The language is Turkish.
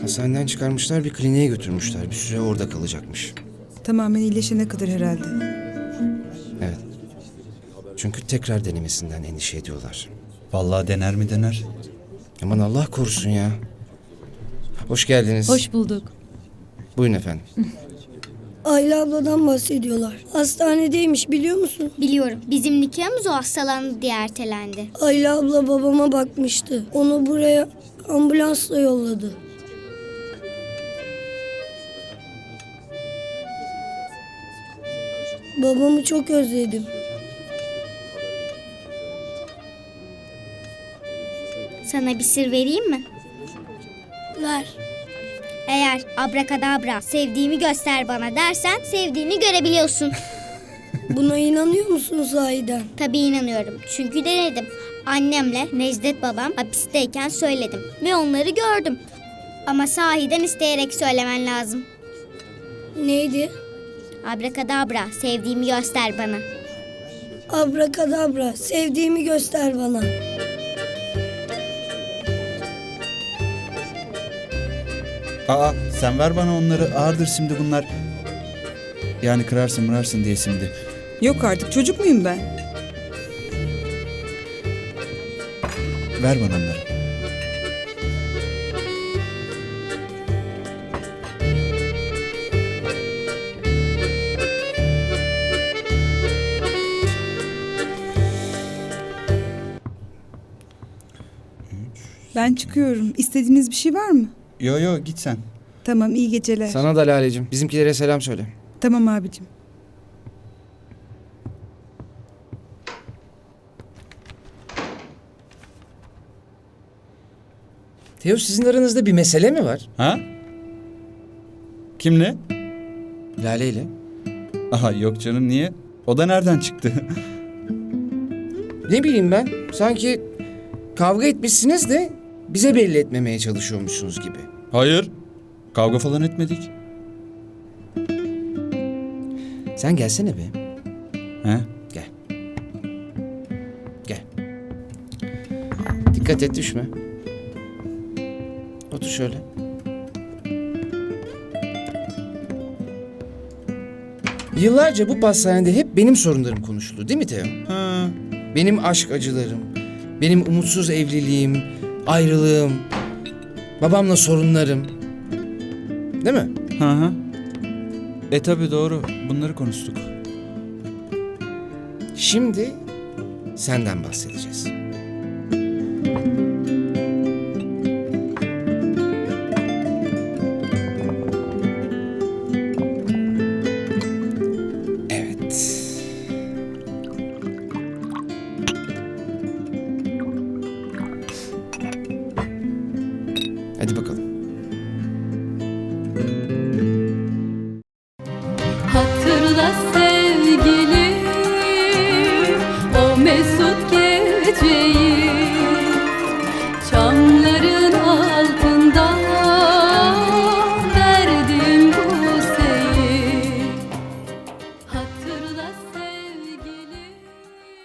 Hastaneden çıkarmışlar, bir kliniğe götürmüşler. Bir süre orada kalacakmış. Tamamen iyileşene kadar herhalde. Evet. Çünkü tekrar denemesinden endişe ediyorlar. Vallahi dener mi dener. Aman Allah korusun ya. Hoş geldiniz. Hoş bulduk. Buyurun efendim. Ayla abladan bahsediyorlar. Hastanedeymiş biliyor musun? Biliyorum. Bizim nikahımız o hastalandı diye ertelendi. Ayla abla babama bakmıştı. Onu buraya ambulansla yolladı. Babamı çok özledim. Sana bir sır vereyim mi? Ver. Eğer abrakadabra sevdiğimi göster bana dersen sevdiğini görebiliyorsun. Buna inanıyor musun sahiden? Tabii inanıyorum. Çünkü denedim. Annemle Necdet babam hapisteyken söyledim. Ve onları gördüm. Ama sahiden isteyerek söylemen lazım. Neydi? Abrakadabra sevdiğimi göster bana. Abrakadabra sevdiğimi göster bana. Aa sen ver bana onları, ağırdır şimdi bunlar. Yani kırarsın mırarsın diye şimdi. Yok artık, çocuk muyum ben? Ver bana onları. Ben çıkıyorum. İstediğiniz bir şey var mı? Yo git sen. Tamam, iyi geceler. Sana da Lale'cim. Bizimkilere selam söyle. Tamam abicim. Teo, sizin aranızda bir mesele mi var? Ha? Kimle? Lale ile. Aha yok canım, niye? O da nereden çıktı? Ne bileyim ben. Sanki kavga etmişsiniz de bize belli etmemeye çalışıyormuşsunuz gibi. Hayır. Kavga falan etmedik. Sen gelsene be. He? Gel. Gel. Dikkat et, düşme. Otur şöyle. Yıllarca bu pastanede hep benim sorunlarım konuşuldu, değil mi Teo? Ha. Benim aşk acılarım, benim umutsuz evliliğim, ayrılığım, babamla sorunlarım. Değil mi? Hı. Tabii doğru. Bunları konuştuk. Şimdi senden bahsedeceğiz. Evet. Hadi bakalım. Hatırla sevgilim o mesut geceyi.